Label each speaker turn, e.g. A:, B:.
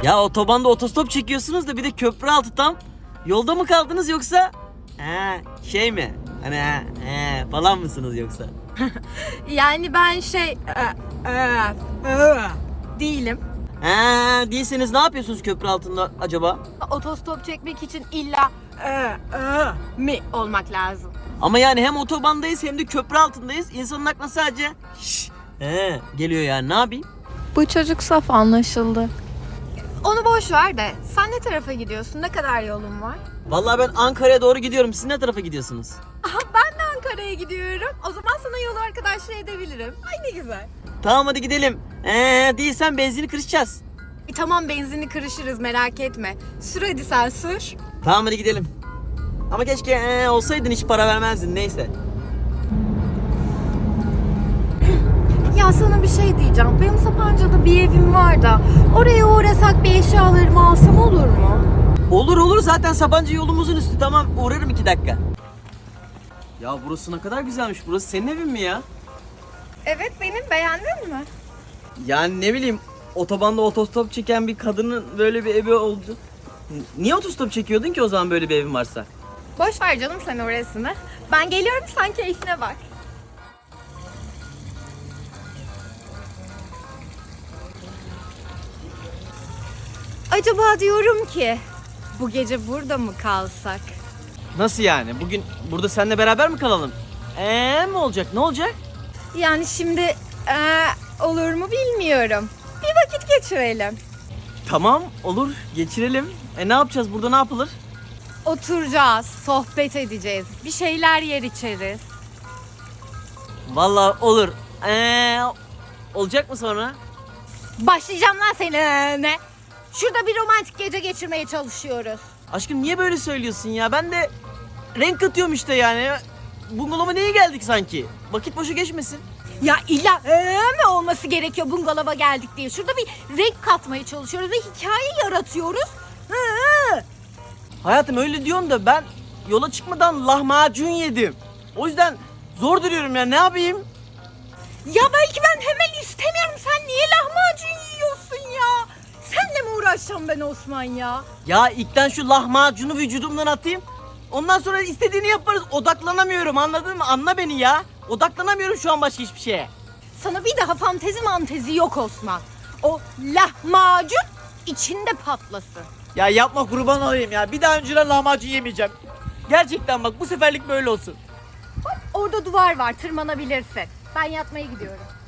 A: Ya otobanda otostop çekiyorsunuz da bir de köprü altı tam. Yolda mı kaldınız yoksa? Şey mi? Hani falan mısınız yoksa?
B: Yani ben değilim.
A: Değilseniz ne yapıyorsunuz köprü altında acaba?
B: Otostop çekmek için illa mi olmak lazım.
A: Ama yani hem otobandayız hem de köprü altındayız. İnsanın aklına sadece geliyor yani, ne yapayım?
C: Bu çocuk saf, anlaşıldı.
B: Onu boş ver de sen ne tarafa gidiyorsun? Ne kadar yolun var?
A: Vallahi ben Ankara'ya doğru gidiyorum. Siz ne tarafa gidiyorsunuz?
B: Aha, ben de Ankara'ya gidiyorum. O zaman sana yol arkadaşlığı edebilirim. Ay ne güzel.
A: Tamam hadi gidelim. Değilsen benzini kırışacağız.
B: Tamam, benzini kırışırız, merak etme. Sür hadi, sen sür.
A: Tamam hadi gidelim. Ama keşke olsaydın, hiç para vermezdin, neyse.
B: Ya sana bir şey diyeceğim. Benim Sapanca'da bir evim var da oraya uğrasak bir eşyalarımı alsam olur mu?
A: Olur zaten Sabancı yolumuzun üstü, tamam uğrarım 2 dakika. Ya burası ne kadar güzelmiş, burası senin evin mi ya?
B: Evet benim, beğendin mi?
A: Yani ne bileyim, otobanda otostop çeken bir kadının böyle bir evi oldu. Niye otostop çekiyordun ki o zaman böyle bir evin varsa?
B: Boş ver canım sen orasını. Ben geliyorum, sen keyfine bak. Acaba diyorum ki bu gece burada mı kalsak?
A: Nasıl yani? Bugün burada seninle beraber mi kalalım? Mi olacak? Ne olacak?
B: Yani şimdi olur mu bilmiyorum. Bir vakit geçirelim.
A: Tamam olur, geçirelim. Ne yapacağız burada, ne yapılır?
B: Oturacağız, sohbet edeceğiz. Bir şeyler yer içeriz.
A: Vallahi olur. Olacak mı sonra?
B: Başlayacağım lan seni. Ne? Şurada bir romantik gece geçirmeye çalışıyoruz.
A: Aşkım niye böyle söylüyorsun ya? Ben de renk katıyorum işte yani. Bungalova niye geldik sanki? Vakit boşa geçmesin.
B: Ya illa mi olması gerekiyor bungalova geldik diye. Şurada bir renk katmaya çalışıyoruz ve hikaye yaratıyoruz.
A: Hayatım öyle diyorsun da ben yola çıkmadan lahmacun yedim. O yüzden zor duruyorum ya, ne yapayım?
B: Ya belki ben hemen istemiyorum. Sen niye lahmacun yiyorsun ya? Seninle mi uğraşacağım ben Osman ya?
A: Ya ilkten şu lahmacunu vücudumdan atayım. Ondan sonra istediğini yaparız. Odaklanamıyorum, anladın mı? Anla beni ya. Odaklanamıyorum şu an başka hiçbir şeye.
B: Sana bir daha fantezi mantezi yok Osman. O lahmacun içinde patlasın.
A: Ya yapma, kurban olayım ya. Bir daha önceden lahmacun yemeyeceğim. Gerçekten bak, bu seferlik böyle olsun.
B: Orada duvar var, tırmanabilirsin. Ben yatmaya gidiyorum.